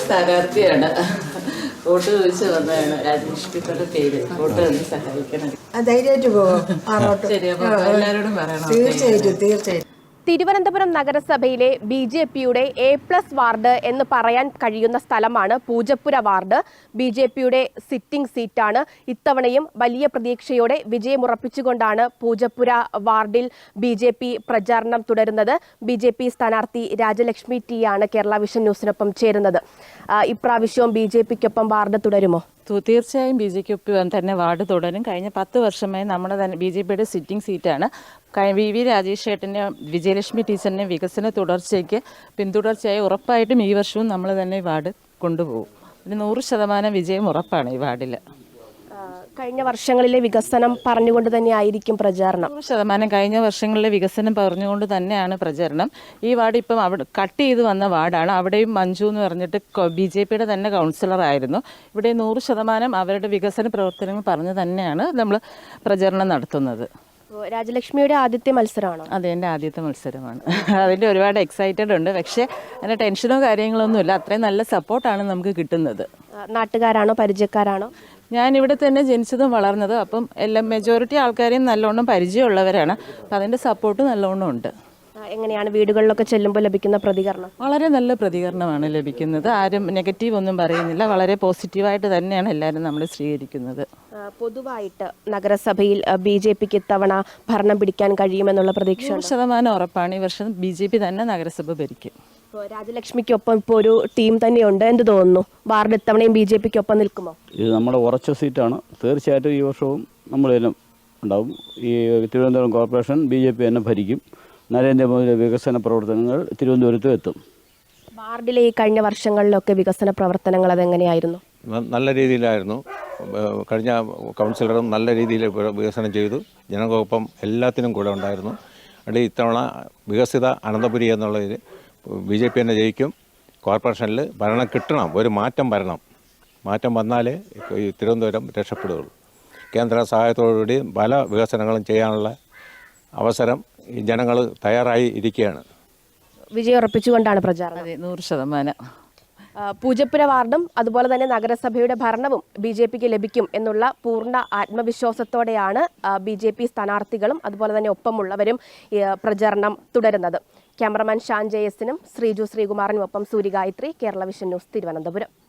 സ്ഥാനാർത്ഥിയാണ്. വോട്ട് ചോദിച്ചു വന്നതാണ്. രാജലക്ഷ്മിയുടെ പേര്. വോട്ട് ഒന്ന് സഹായിക്കണം. ധൈര്യമായിട്ട് പോകും. ശരി, അപ്പോൾ എല്ലാവരോടും പറയണം. തീർച്ചയായിട്ടും. തിരുവനന്തപുരം നഗരസഭയിലെ BJPയുടെ A+ വാർഡ് എന്ന് പറയാൻ കഴിയുന്ന സ്ഥലമാണ് പൂജപ്പുര വാർഡ്. BJPയുടെ സിറ്റിംഗ് സീറ്റാണ്. ഇത്തവണയും വലിയ പ്രതീക്ഷയോടെ വിജയമുറപ്പിച്ചുകൊണ്ടാണ് പൂജപ്പുര വാർഡിൽ BJP പ്രചാരണം തുടരുന്നത്. BJP സ്ഥാനാർത്ഥി രാജലക്ഷ്മി T ആണ് കേരള വിഷൻ ന്യൂസിനൊപ്പം ചേരുന്നത്. ഇപ്രാവശ്യവും BJPക്കൊപ്പം വാർഡ് തുടരുമോ? തീർച്ചയായും BJPക്കൊപ്പം തന്നെ വാർഡ് തുടരും. കഴിഞ്ഞ 10 വർഷമായി നമ്മുടെ തന്നെ BJPയുടെ സിറ്റിംഗ് സീറ്റാണ്. VV രാജേഷ് ഏട്ടനെ, വിജയലക്ഷ്മി ടീച്ചറിനെ വികസന തുടർച്ചയ്ക്ക് പിന്തുടർച്ചയായി ഉറപ്പായിട്ടും ഈ വർഷവും നമ്മൾ തന്നെ വാർഡ് കൊണ്ടുപോകും. ഒരു 100% വിജയം ഉറപ്പാണ് ഈ വാർഡിൽ. കഴിഞ്ഞ വർഷങ്ങളിലെ വികസനം പറഞ്ഞുകൊണ്ട് തന്നെ ആയിരിക്കും പ്രചാരണം. 100% കഴിഞ്ഞ വർഷങ്ങളിലെ വികസനം പറഞ്ഞുകൊണ്ട് തന്നെയാണ് പ്രചരണം. ഈ വാർഡ് ഇപ്പം അവിടെ കട്ട് ചെയ്ത് വന്ന വാർഡാണ്. അവിടെയും മഞ്ജു എന്ന് പറഞ്ഞിട്ട് BJPയുടെ തന്നെ കൗൺസിലറായിരുന്നു. ഇവിടെ 100% അവരുടെ വികസന പ്രവർത്തനങ്ങൾ പറഞ്ഞ് തന്നെയാണ് നമ്മൾ പ്രചരണം നടത്തുന്നത്. രാജലക്ഷ്മിയുടെ ആദ്യത്തെ മത്സരമാണോ? അതെ, എൻ്റെ ആദ്യത്തെ മത്സരമാണ്. അതിൻ്റെ ഒരുപാട് എക്സൈറ്റഡ് ഉണ്ട്. പക്ഷേ അതിൻ്റെ ടെൻഷനോ കാര്യങ്ങളൊന്നുമില്ല. അത്രയും നല്ല സപ്പോർട്ടാണ് നമുക്ക് കിട്ടുന്നത്. നാട്ടുകാരാണോ പരിചയക്കാരാണോ? ഞാനിവിടെ തന്നെ ജനിച്ചതും വളർന്നതും. അപ്പം എല്ലാം മെജോറിറ്റി ആൾക്കാരെയും നല്ലോണം പരിചയമുള്ളവരാണ്. അപ്പം അതിൻ്റെ സപ്പോർട്ട് നല്ലോണം ഉണ്ട്. എങ്ങനെയാണ് വീടുകളിലൊക്കെ ചെല്ലുമ്പോൾ ലഭിക്കുന്ന പ്രതികരണം? വളരെ നല്ല പ്രതികരണമാണ് ലഭിക്കുന്നത്. ആരും നെഗറ്റീവ് ഒന്നും പറയുന്നില്ല. വളരെ പോസിറ്റീവായിട്ട് തന്നെയാണ് എല്ലാവരും നമ്മൾ സ്വീകരിക്കുന്നത്. പൊതുവായിട്ട് നഗരസഭയിൽ BJPക്ക് ഇത്തവണ ഭരണം പിടിക്കാൻ കഴിയുമെന്നുള്ള പ്രതീക്ഷ 100% ഉറപ്പാണ്. ഈ വർഷം BJP തന്നെ നഗരസഭ ഭരിക്കും. രാജലക്ഷ്മിക്കൊപ്പം ഇപ്പോൾ ഒരു ടീം തന്നെയുണ്ട്. എന്ത് തോന്നുന്നു? വാർഡ് ഇത്തവണയും BJPക്കൊപ്പം നിൽക്കുമോ? ഇത് നമ്മുടെ ഉറച്ച സീറ്റാണ്. തീർച്ചയായിട്ടും ഈ വർഷവും നമ്മൾ തന്നെ ഉണ്ടാവും. ഈ തിരുവനന്തപുരം കോർപ്പറേഷൻ BJP തന്നെ ഭരിക്കും. നരേന്ദ്രമോദിയുടെ വികസന പ്രവർത്തനങ്ങൾ തിരുവനന്തപുരത്തും എത്തും. വാർഡിലെ ഈ കഴിഞ്ഞ വർഷങ്ങളിലൊക്കെ വികസന പ്രവർത്തനങ്ങൾ അതെങ്ങനെയായിരുന്നു? നല്ല രീതിയിലായിരുന്നു. കഴിഞ്ഞ കൗൺസിലറും നല്ല രീതിയിൽ വികസനം ചെയ്തു. ജനങ്ങൾക്കൊപ്പം എല്ലാത്തിനും കൂടെ ഉണ്ടായിരുന്നു. അതുകൊണ്ട് ഇത്തവണ വികസിത അനന്തപുരി എന്നുള്ളതിൽ BJP തന്നെ ജയിക്കും. കോർപ്പറേഷനിൽ ഭരണം കിട്ടണം, ഒരു മാറ്റം വരണം. മാറ്റം വന്നാലേ ഈ തിരുവനന്തപുരം രക്ഷപ്പെടുകയുള്ളൂ. കേന്ദ്ര സഹായത്തോടുകൂടി പല വികസനങ്ങളും ചെയ്യാനുള്ള അവസരം ഈ ജനങ്ങൾ തയ്യാറായി ഇരിക്കുകയാണ്. വിജയം ഉറപ്പിച്ചുകൊണ്ടാണ് പ്രചാരണം. അതെ, 100%. പൂജപ്പുര വാർഡും അതുപോലെ തന്നെ നഗരസഭയുടെ ഭരണവും BJPക്ക് ലഭിക്കും എന്നുള്ള പൂർണ്ണ ആത്മവിശ്വാസത്തോടെയാണ് BJP സ്ഥാനാർത്ഥികളും അതുപോലെ തന്നെ ഒപ്പമുള്ളവരും പ്രചാരണം തുടരുന്നത്. ക്യാമറമാൻ ഷാൻ JS-നും ശ്രീജു ശ്രീകുമാറിനുമൊപ്പം സൂര്യഗായത്രി, കേരള വിഷൻ ന്യൂസ്, തിരുവനന്തപുരം.